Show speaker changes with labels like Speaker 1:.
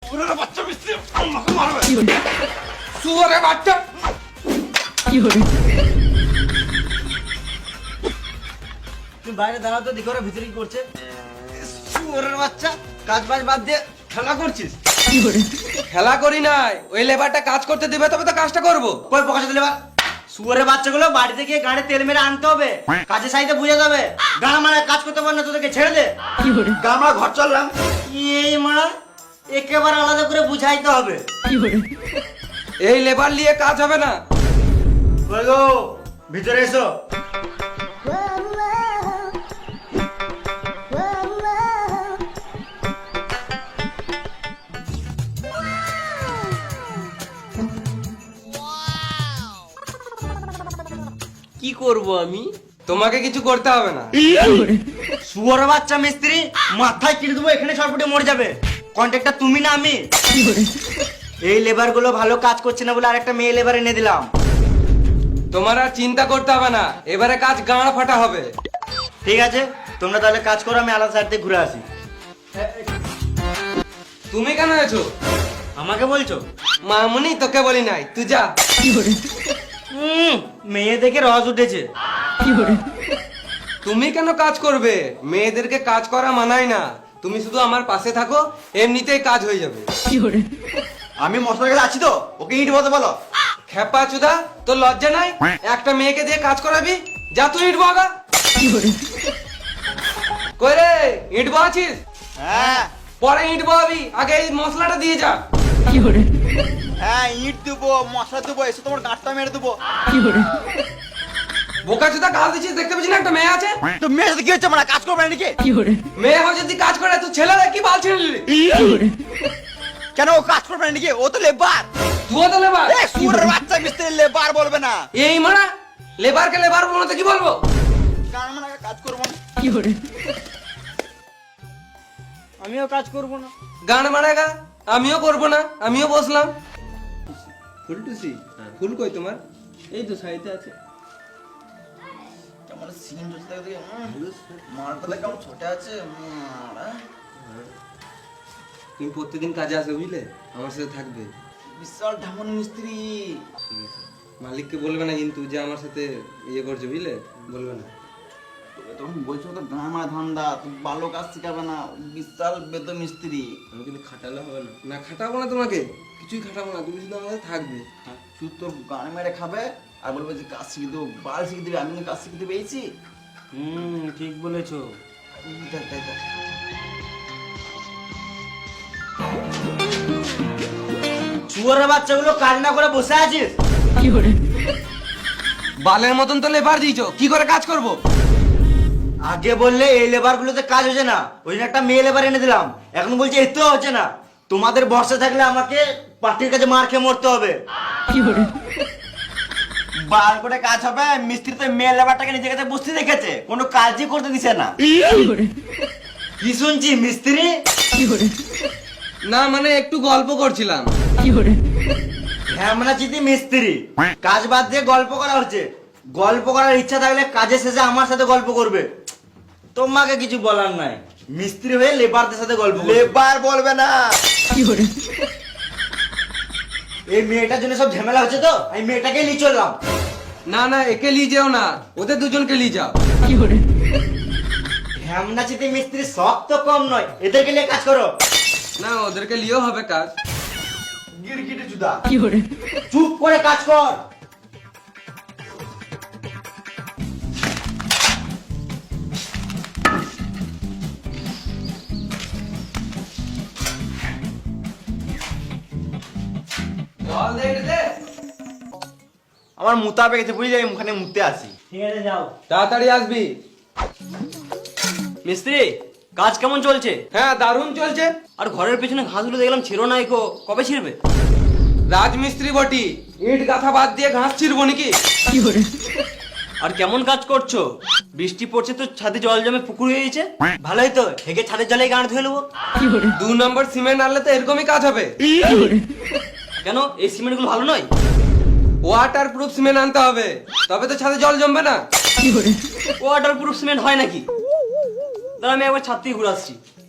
Speaker 1: শুয়োরের বাচ্চা মিস্ত্রি আমাকে মারবে। শুয়োরের বাচ্চা।
Speaker 2: তুমি বাইরে দাঁড়াও তো, দেখো ওরা ভিতরে কি করছে। শুয়োরের বাচ্চা, কাজ বাজ বাদ দিয়ে খেলা করছিস?
Speaker 1: খেলা করি নাই, ওই লেবারটা কাজ করতে দিবে তবে তো কাজটা করবো।
Speaker 2: কই পকাশে দিলে বা? শুয়োরের বাচ্চাগুলো বাড়িতে গিয়ে গাড়ি তেল মেরে আনতে হবে, কাজের সাইডে বুঝে যাবে। গান মারা কাজ করতে পারে না, তোদেরকে ছেড়ে দে।
Speaker 1: আমরা ঘর চললাম।
Speaker 2: এই মারা একেবারে আলাদা করে বুঝাইতে হবে।
Speaker 1: এই লেবার নিয়ে কাজ হবে না।
Speaker 2: কই গো, ভিতরে এসো। কি করব আমি?
Speaker 1: তোমাকে কিছু করতে হবে না।
Speaker 2: শুয়োরের বাচ্চা মিস্ত্রি, মাথায় কেটে দেবো, এখানে সরপটে মরে যাবে। কন্ট্রাক্টর তুমি না আমি। এই লেবার গুলো ভালো কাজ করছে না বলে আরেকটা মেয়ে লেবার এনে দিলাম।
Speaker 1: তোমার আর চিন্তা করতে হবে না, এবারে কাজ গাঁড় ফাটা হবে।
Speaker 2: ঠিক আছে, তোমরা তাহলে কাজ করো, আমি আলাদা সাইড থেকে ঘুরে আসি।
Speaker 1: তুমি কেন এসো?
Speaker 2: আমাকে বলছো?
Speaker 1: মামুনি তোকে বলি নাই, তুই যা।
Speaker 2: মেয়ে দেখে রস উঠেছে।
Speaker 1: তুমি কেন কাজ করবে? মেয়েদেরকে কাজ করা মানায় না। তুমি শুধু আমার পাশে থাকো, এমনিতেই কাজ হয়ে যাবে।
Speaker 2: আমি মশলার কাছে আছি তো, ওকে ইট বলতে বলো।
Speaker 1: খেপা চুদা, তোর লজ্জা নাই? একটা মেয়েকে দিয়ে কাজ করাবি? যা তুই ইট বগা। কই রে, ইট বহাছিস?
Speaker 2: হ্যাঁ
Speaker 1: পরে ইট বহাবি, আগে এই মশলাটা দিয়ে যা।
Speaker 2: হ্যাঁ, ইট দেবো, মশলা দেবো, এসে তোমার গাঁটটা মেরে দেবো।
Speaker 1: বোকা চুদা গাল দিচ্ছিস, দেখতে পাচ্ছিস না একটা মেয়ে আছে?
Speaker 2: তো মেয়ের সাথে কি হচ্ছে? আমরা কাজ করবো না নাকি?
Speaker 1: মেয়ে হয় যদি কাজ করে, তুই ছেলেরা কি বাল ছেড়ে নিলি?
Speaker 2: কেন ও কাজ করবে না নাকি? ও তো লেবার।
Speaker 1: তুইও তো লেবার।
Speaker 2: শুয়োরের বাচ্চা মিস্ত্রি লেবার বলবে না।
Speaker 1: এই মারা লেবারকে লেবার বলবো না তো কি বলবো?
Speaker 2: কারণ আমরা কাজ করবো না। আমিও কাজ করবো না।
Speaker 1: গান মারাগা, আমিও করবো না, আমিও বসলাম। ফুলটুসি, ফুল কই তোমার?
Speaker 2: এই তো সাইডে আছে। কেমন সিন হচ্ছে দেখো দেখো। মারটা কেমন ছোট আছে।
Speaker 1: তুমি প্রত্যেকদিন কাজে আসবে বুঝলে, আমার সাথে থাকবে।
Speaker 2: বিশাল ঢামন মিস্ত্রি।
Speaker 1: ঠিক আছে, মালিককে বলবে না কিন্তু যে আমার সাথে ইয়ে করছে বুঝলে, বলবে না।
Speaker 2: তখন বলছো তো গামা ধান্দা, তুমি ভালো কাজ শিখাবে না। বিশাল বেতো মিস্ত্রি।
Speaker 1: আমি কিন্তু খাটালে হবে না। না খাটাবো না তোমাকে, কিছুই খাটাবো না, তুমি শুধু আমার সাথে থাকবে।
Speaker 2: শুধু তোর গান মেরে খাবে আর বলবে যে কাজ শিখে দেবো, বাল শিখে দেবে। আমি কিন্তু কাজ শিখতে পেয়েছি। ঠিক বলেছো। দেখ দেখ দেখ। শুয়োরের বাচ্চাগুলো কাজ না করে বসে আছিস?
Speaker 1: বালের মতন তো লেবার দিয়েছো, কি করে কাজ করবো?
Speaker 2: আগে বললে এই লেবার গুলোতে কাজ হচ্ছে না, ওই জন্য একটা মেয়ে লেবার এনে দিলাম। এখন বলছে এতেও হচ্ছে না। তোমাদের বর্ষা থাকলে আমাকে পার্টির কাছে মার খেয়ে মরতে হবে। বার করে কাজ হবে। মিস্ত্রি তো মেয়ে লেবারটাকে নিজের কাছে বসতে দেখেছে, কোনো কাজই করতে দিছে না। কি শুনছি মিস্ত্রি?
Speaker 1: না মানে একটু গল্প করছিলাম।
Speaker 2: হ্যাঁ মানে চিঠি মিস্ত্রি, কাজ বাদ দিয়ে গল্প করা হচ্ছে। গল্প করার ইচ্ছা থাকলে কাজের শেষে আমার সাথে গল্প করবে। তোমাকে কিছু বলার নাই, মিস্ত্রি হয়ে লেবারদের সাথে গল্প করবে। লেবার বলবে না। এই মেয়েটার জন্য সব ঝামেলা হচ্ছে তো, আমি মেয়েটাকে নিয়ে চললাম।
Speaker 1: না না, একে নিয়ে যেও না, ওদের দুজনকে নিয়ে যাও।
Speaker 2: হ্যামনা চিঠি মিস্ত্রি শখ তো কম নয়, এদেরকে নিয়ে কাজ করো।
Speaker 1: না ওদেরকে নিয়েও হবে কাজ।
Speaker 2: গিরগিটি চুদা, চুপ করে কাজ কর।
Speaker 1: জল দে, এটা দে।
Speaker 2: আমার মুতা পেয়েছে বুঝলি, আমি ওখানে মুতে আসি। ঠিক আছে যাও।
Speaker 1: তাড়াতাড়ি আসবি।
Speaker 2: মিস্ত্রি কাজ কেমন চলছে?
Speaker 1: হ্যাঁ দারুণ চলছে।
Speaker 2: আর ঘরের পেছনে ঘাসগুলো দেখলাম ছিঁড়ো নাই গো, কবে ছিঁড়বে?
Speaker 1: রাজমিস্ত্রি বটি, ইট গাথা বাদ দিয়ে ঘাস ছিড়বো নাকি?
Speaker 2: আর কেমন কাজ করছো? বৃষ্টি পড়ছে তো ছাদে জল জমে পুকুর হয়ে গেছে। ভালোই তো, হেগে ছাদের জলে গান ধুয়ে নেবো।
Speaker 1: 2 নম্বর সিমেন্ট আনলে তো এরকমই কাজ হবে।
Speaker 2: কেন এই সিমেন্ট গুলো ভালো নয়?
Speaker 1: ওয়াটার প্রুফ সিমেন্ট আনতে হবে, তবে তো ছাদে জল জমবে না।
Speaker 2: ওয়াটার প্রুফ সিমেন্ট হয় নাকি? দাঁড়া আমি একবার ছাদ থেকে ঘুরে আসছি।